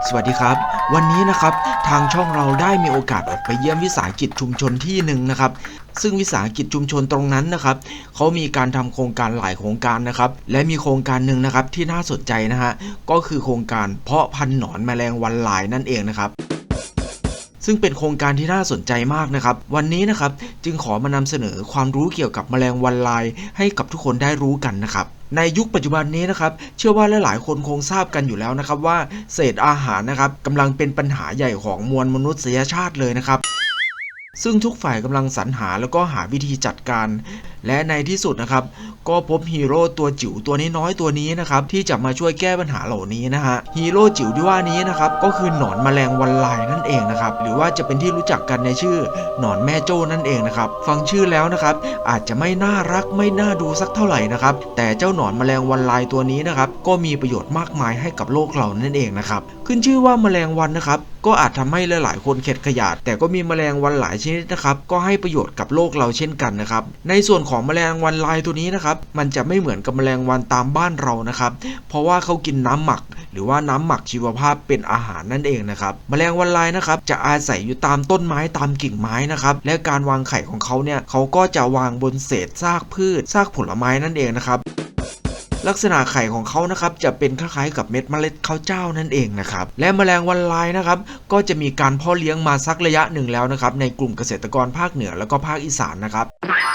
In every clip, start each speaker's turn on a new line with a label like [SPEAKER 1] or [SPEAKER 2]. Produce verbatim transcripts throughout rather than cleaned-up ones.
[SPEAKER 1] สวัสดีครับวันนี้นะครับทางช่องเราได้มีโอกาสออกไปเยี่ยมวิสาหกิจชุมชนที่หนึ่งนะครับซึ่งวิสาหกิจชุมชนตรงนั้นนะครับเขามีการทำโครงการหลายโครงการนะครับและมีโครงการหนึ่งนะครับที่น่าสนใจนะฮะก็คือโครงการเพาะพันธุ์หนอนแมลงวันลายนั่นเองนะครับซึ่งเป็นโครงการที่น่าสนใจมากนะครับวันนี้นะครับจึงขอมานำเสนอความรู้เกี่ยวกับแมลงวันลายให้กับทุกคนได้รู้กันนะครับในยุคปัจจุบันนี้นะครับเชื่อว่าหลายๆคนคงทราบกันอยู่แล้วนะครับว่าเศษอาหารนะครับกำลังเป็นปัญหาใหญ่ของมวลมนุษยชาติเลยนะครับซึ่งทุกฝ่ายกำลังสรรหาแล้วก็หาวิธีจัดการและในที่สุดนะครับก็พบฮีโร่ตัวจิ๋วตัวน้อยๆตัวนี้นะครับที่จะมาช่วยแก้ปัญหาเหล่านี้นะฮะฮีโร่จิ๋วที่ว่านี้นะครับก็คือหนอนแมลงวันลายนั่นเองนะครับหรือว่าจะเป็นที่รู้จักกันในชื่อหนอนแม่โจ้นั่นเองนะครับฟังชื่อแล้วนะครับอาจจะไม่น่ารักไม่น่าดูสักเท่าไหร่นะครับแต่เจ้าหนอนแมลงวันลายตัวนี้นะครับก็มีประโยชน์มากมายให้กับโลกเรานั่นเองนะครับขึ้นชื่อว่าแมลงวันนะครับก็อาจทำให้หลายๆคนเข็ดขยาดแต่ก็มีแมลงวันหลายชนิดนะครับก็ให้ประโยชน์กับโลกเราเช่นกันนะครับในส่วนของแมลงวันลายตัวนี้นะครับมันจะไม่เหมือนกับแมลงวันตามบ้านเรานะครับเพราะว่าเขากินน้ำหมักหรือว่าน้ำหมักชีวภาพเป็นอาหารนั่นเองนะครับแมลงวันลายนะครับจะอาศัยอยู่ตามต้นไม้ตามกิ่งไม้นะครับและการวางไข่ของเขาเนี่ยเขาก็จะวางบนเศษซากพืชซากผลไม้นั่นเองนะครับลักษณะไข่ของเขานะครับจะเป็นคล้ายๆกับเม็ดเมล็ดข้าวเจ้านั่นเองนะครับและแมลงวันลายนะครับก็จะมีการเพาะเลี้ยงมาสักระยะหนึ่งแล้วนะครับในกลุ่มเกษตรกรภาคเหนือแล้วก็ภาคอีสานนะครับ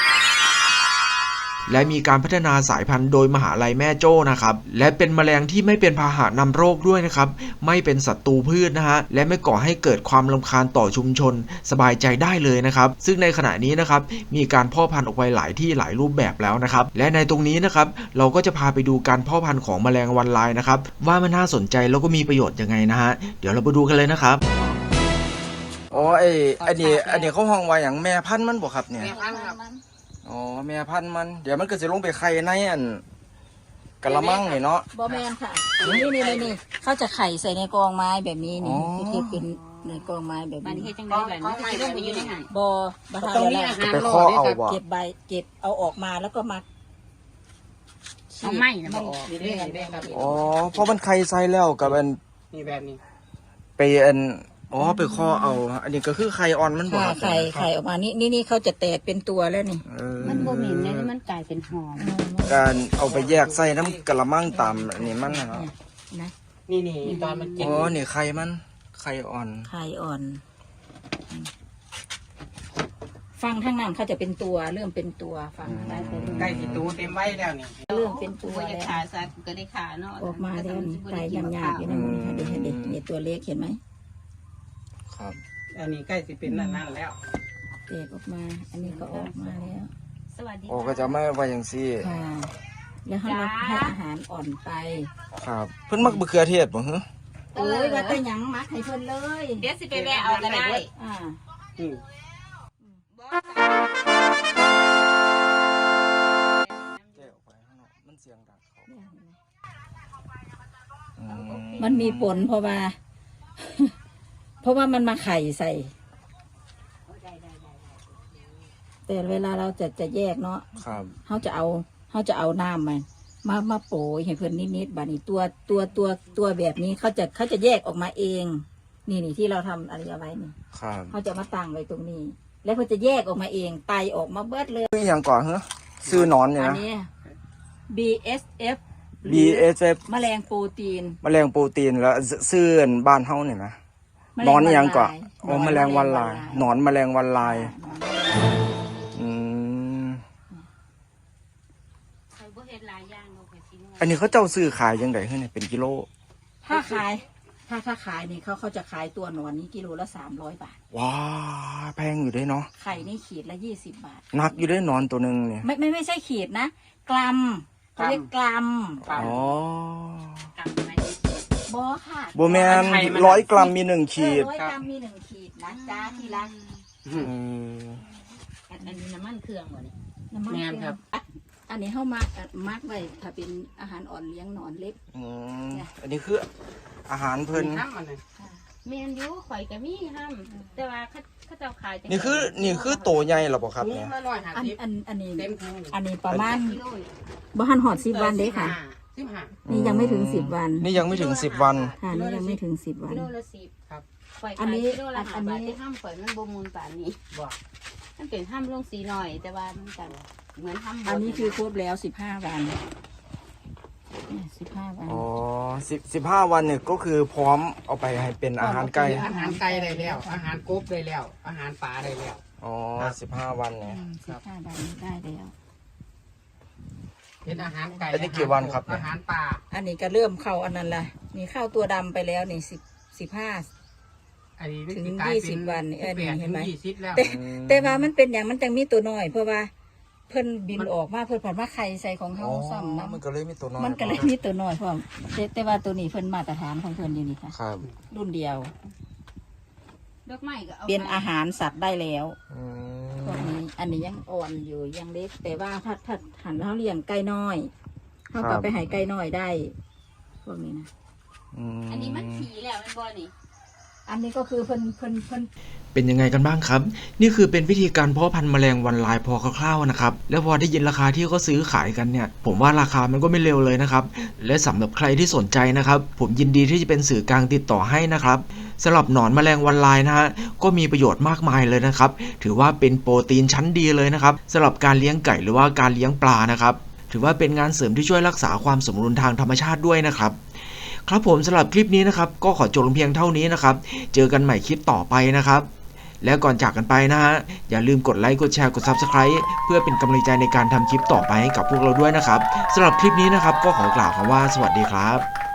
[SPEAKER 1] และมีการพัฒนาสายพันธุ์โดยมหาลัยแม่โจ้นะครับและเป็นแมลงที่ไม่เป็นพาหะนำโรคด้วยนะครับไม่เป็นศัตรูพืชนะฮะและไม่ก่อให้เกิดความรำคาญต่อชุมชนสบายใจได้เลยนะครับซึ่งในขณะนี้นะครับมีการเพาะพันธุ์ออกไปหลายที่หลายรูปแบบแล้วนะครับและในตรงนี้นะครับเราก็จะพาไปดูการเพาะพันธุ์ของแมลงวันลายนะครับว่ามันน่าสนใจแล้วก็มีประโยชน์ยังไงนะฮะเดี๋ยวเราไปดูกันเลยนะครับอ๋อไออันนี้อันนี้เขาห้องไว้อย่างแม่พันธุ์มันบ่ครับเนี่ยอ๋อแม่พันธุ์มันเดี๋ยวมันก็จะลงไปไข่ในอันกะละมังนี่เนาะ
[SPEAKER 2] บอแมนค่ะนี่นี่นี่นี่เขาจะไข่ใส่ในกองไม้แบบนี้นี่ที่เป็นในกองไม้แบบนี้มันเฮ็ดจังได๋แบบนี้ก็สิลงไปอยู่ในนั้นบ่บ่ทันแล้ว
[SPEAKER 1] ไปข้อเอาบ่
[SPEAKER 2] เก็บใบเก็บเอาออกมาแล้วก็มา
[SPEAKER 3] เอาไม้นะบ่ออกนี่เด้ครับ
[SPEAKER 1] อ๋อเพราะมันไข่ใส่แล้วกับอัน
[SPEAKER 3] นี่แบบนี้
[SPEAKER 1] ไปอันอ๋อไปข้อเอาอันนี้ก็คือไข่อ่อนมันบ่
[SPEAKER 2] ไข่ไข่ออกมานี่นี่นี่เขาจะแตกเป็นตัวแล้วนี่
[SPEAKER 3] มันบ่เหม็นนะมันกลายเป็นหอม
[SPEAKER 1] การเอาไปแยกใส่น้ำกะละมังตามอันนี้มันนะ
[SPEAKER 2] นะ
[SPEAKER 3] นี่นี่ตอนมันกิน
[SPEAKER 1] อ๋อนี่ไข่มันไข่อ่อน
[SPEAKER 2] ไข่อ่อนฟังทั้งนั้นเขาจะเป็นตัวเริ่มเป็นตัวฟังได้
[SPEAKER 3] ใกล้สิตูเต็มไว้แล้วนี่
[SPEAKER 2] เริ่มเป็นตัว
[SPEAKER 3] แล้วขาสัตว์ก็ได้ขาเนาะ
[SPEAKER 2] ออกมาแล้วไก่ยำๆอยู่ในมือค่ะเด็กเด็กนี่ตัวเล็กเห็นไหม
[SPEAKER 1] ครับ
[SPEAKER 3] อันนี้ใกล้สิเป็นนั่นนั่นแล้ว
[SPEAKER 2] เด็กออกมาอันนี้ก็ออกมาแล้ว
[SPEAKER 3] สวัสดี
[SPEAKER 1] โอ้ก็จะไม่ไว้อย่างซี่
[SPEAKER 2] ค่ะแล้วให้ให้อาหารอ่อนไป
[SPEAKER 1] ครับเพิ่นมักมะเขือเทศบ่ฮะ
[SPEAKER 2] โอ้ยว่าแต่หยังมักให้เพิ่นเลย
[SPEAKER 3] เดี๋ยวสิไปแวะเอาก็ได้
[SPEAKER 2] อ่า
[SPEAKER 3] อืม
[SPEAKER 2] มันมีผลเพราะว่าเพราะว่ามันมาไข่ใส่แต่เวลาเราจะจะแยกเนาะเขาจะเอาเขาจะเอาน้ำมามามาโปยให้เพื่อนนิดๆบานี้ตัวตัวตัวตัวแบบนี้เขาจะเขาจะแยกออกมาเองนี่นี่ที่เราทำอะไรเอาไว้นี่เขาจะมาตั้งไว้ตรงนี้แล้วเขาจะแยกออกมาเองไตออกมาเบิดเลย
[SPEAKER 1] คืออย่างก่อนเหรอซื้อนอนเนี่ยนะ
[SPEAKER 2] บี เอส เอฟ
[SPEAKER 1] บี เอส เอฟ
[SPEAKER 2] แมลงโปรตีน
[SPEAKER 1] แมลงโปรตีนแล้วซื้อบ้านเฮาเนี่ยนะนอนอย่างก่อนอ๋อแมลงวันลายนอนแมลงวันลายอืมอันนี้เขาเจ้าซื้อขายยังไงเฮ้ยเนี่ยเป็นกิโล
[SPEAKER 2] ถ้าขายถ้าถ้าขายนี่เขาเขาจะขายตัวหนอนนี้กิโลละสามร้อยบาท
[SPEAKER 1] ว้าแพงอยู่ด้วยเนาะ
[SPEAKER 2] ไข่นี่ขีดละยี่สิบบาท
[SPEAKER 1] หนักอยู่ด้วยนอนตัวหนึ่งเนี่ย
[SPEAKER 2] ไม่ไม่ไม่ใช่ขีดนะกรัมเขาเรียกกรัม
[SPEAKER 1] อ๋อ
[SPEAKER 2] โบค่ะ
[SPEAKER 1] โบแมนร้อยกรัมมีหนึ่งขีด
[SPEAKER 2] ร้อยกรัมมีหนึ่งขีดนะจ้าทีละอันนี้น้ำมันเครื่องหมดเลยน้ำมันเครื่องครับอันนี้เข้ามามาร์กไว้ถ้าเป็นอาหารอ่อนเลี้ยงหนอนเล็ก
[SPEAKER 1] อันนี้คืออาหารเพิ่น
[SPEAKER 3] เมียนยูข่อยกับมี่ห้ามแต่ว่าเขาเขาจะขาย
[SPEAKER 1] นี่คือนี่คือโตใหญ่หรอเปล่าครับเนี่ย
[SPEAKER 2] อันอันอันนี้อันนี้ประมาณบ้านหอดสิบวันเด้ค่ะ
[SPEAKER 4] สิบห้า
[SPEAKER 2] นี่ยังไม่ถึงสิบวัน
[SPEAKER 1] นี่ยังไม่ถึงสิบวัน
[SPEAKER 2] ค่ะนี่ยังไม่ถึงสิบวัน
[SPEAKER 3] กิโลละสิบ
[SPEAKER 4] ครับ
[SPEAKER 3] ข่อย
[SPEAKER 2] อั
[SPEAKER 3] ขาน
[SPEAKER 2] นี้
[SPEAKER 3] ยกิโลละ
[SPEAKER 2] อั
[SPEAKER 3] ห้าน บาท
[SPEAKER 2] นี้
[SPEAKER 3] ที่ห้ามข่อยมันบ่มูลป่านนี้
[SPEAKER 4] บอก
[SPEAKER 3] มันเป็นห้ามลงสีหน่อย แต่ว่ามันกันเหมือนห้าม
[SPEAKER 2] อันนี้คือครบแล้วสิบห้าวันสิบห้าวัน
[SPEAKER 1] อ๋อสิบสิบห้าวันเนี่ยก็คือพร้อมเอาไปให้เป็นอาหารไก่
[SPEAKER 4] อาหารไก่ได้แล้ว อาหารกบได้แล้ว อาหารปลาได้แล้ว
[SPEAKER 1] อ๋อสิบห้าวันเนี่ย
[SPEAKER 2] สิบห้าวันได้แล้ว
[SPEAKER 4] เป็นอาหารไก่
[SPEAKER 1] อันนี้กี่วันครับเนี่ย
[SPEAKER 4] อาหารปลา
[SPEAKER 2] อันนี้ก็เริ่มเข้าอันนั้นละนี่เข้าตัวดำไปแล้วนี่สิบสิบห้า
[SPEAKER 4] อันนี้
[SPEAKER 2] ถึง
[SPEAKER 4] กลา
[SPEAKER 2] ยี่
[SPEAKER 4] เป็
[SPEAKER 2] สิบวันนี่เออ
[SPEAKER 4] สิบแปด
[SPEAKER 2] นี่เห็นไหม
[SPEAKER 4] ถึงยี่สิบแล้ว
[SPEAKER 2] แต่แต่ว่ามันเป็นอย่างมันจังมีตัวน้อย เพราะว่าเพิ่นบินออกมาเพิ่นผ่านมาไข่ใส่ของเฮาซ้ำนะ
[SPEAKER 1] มันก็เลยมีตัวน้อย
[SPEAKER 2] มันก็เลยมีตัวน้อยพร้อมแต่แต่ว่าตัวนี้เพิ่นมาตรฐานของเพิ่นอยู่นี่ค่ะ
[SPEAKER 1] ครับ
[SPEAKER 2] รุ่นเดียว
[SPEAKER 3] ดอกไม้ก็เอา
[SPEAKER 2] เป็นอาหารสัตว์ได้แล้ว
[SPEAKER 1] อื
[SPEAKER 2] พวก
[SPEAKER 1] ม
[SPEAKER 2] นี้อันนี้ยังอ่อนอยู่ยังเล็ก แต่ว่าถ้าถ้าหันเขาเลี้ยงไก่น้อยเขากลับไปใหายไก่น้อยได้พวกนี้นะ
[SPEAKER 3] อันนี้มันขี่แล้วมันบ่นี่
[SPEAKER 2] อันนี้ก็คือเพิ่นเพิ่นเพิ่น
[SPEAKER 1] เป็นยังไงกันบ้างครับ นี่คือเป็นวิธีการเพาะพันธุ์แมลงวันลายพอคร่าวๆนะครับ แล้วพอได้ยินราคาที่เขาซื้อขายกันเนี่ย ผมว่าราคามันก็ไม่เร็วเลยนะครับ และสำหรับใครที่สนใจนะครับ ผมยินดีที่จะเป็นสื่อกลางติดต่อให้นะครับสำหรับหนอนแมลงวันลายนะฮะก็มีประโยชน์มากมายเลยนะครับ ถือว่าเป็นโปรตีนชั้นดีเลยนะครับสำหรับการเลี้ยงไก่หรือว่าการเลี้ยงปลานะครับ ถือว่าเป็นงานเสริมที่ช่วยรักษาความสมดุลทางธรรมชาติด้วยนะครับ ครับผมสำหรับคลิปนี้นะครับก็ขอจบลงเพียงเท่านี้นะครับเจอกันใหม่คลิปต่อไปนะครับแล้วก่อนจากกันไปนะฮะอย่าลืมกดไลค์กดแชร์กด ซับสไครบ์ เพื่อเป็นกำลังใจในการทำคลิปต่อไปให้กับพวกเราด้วยนะครับสำหรับคลิปนี้นะครับก็ขอกล่าวคำว่าสวัสดีครับ